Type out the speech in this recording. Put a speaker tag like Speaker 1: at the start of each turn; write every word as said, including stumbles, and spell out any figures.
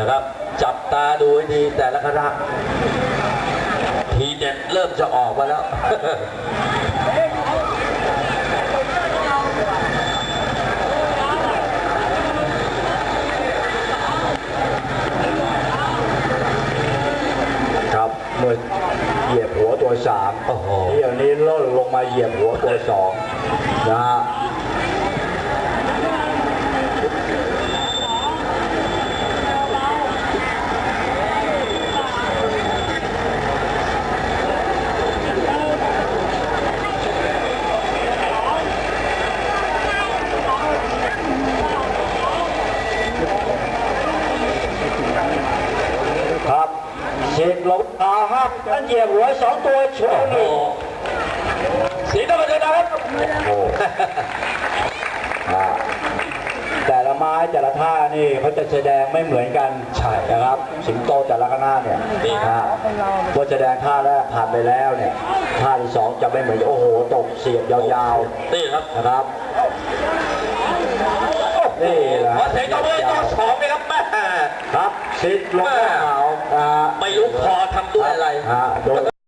Speaker 1: นะครับจับตาดูให้ดีแต่ละคณะทีเด็ดเริ่มจะออกมาแล้ว
Speaker 2: ครับเมื่อเหยียบหัวตัวสาม
Speaker 1: โอ้โห
Speaker 2: เดี๋ยวนี้ล่นลงมาเหยียบหัวตัวสองนะฮะครับเช็คลงตาครับนั่นเหยียบหัวสองตัวโชว์นี่
Speaker 1: สีน้ำเงินนะครับ
Speaker 2: โอ้อ่าแต่ละไม้แต่ละท่านี่เขาจะแสดงไม่เหมือนกันใช่นะครับ สิงโตแต่ละคณะเนี่ยนี่ฮะพอแสดงท่าแรกผ่านไปแล้วเนี่ยท่าที่สองจะไม่เหมือนโอ้โหตกเสียบยาวๆ
Speaker 1: นี่ครับ
Speaker 2: นะครับนี่แหละ
Speaker 1: ขอเสียงตบมือต่อสองนะครับแม่
Speaker 2: ครับซิดลงเขาอ่า
Speaker 1: ไม่รู้พอทำด้วยอะไร
Speaker 2: ฮะโดน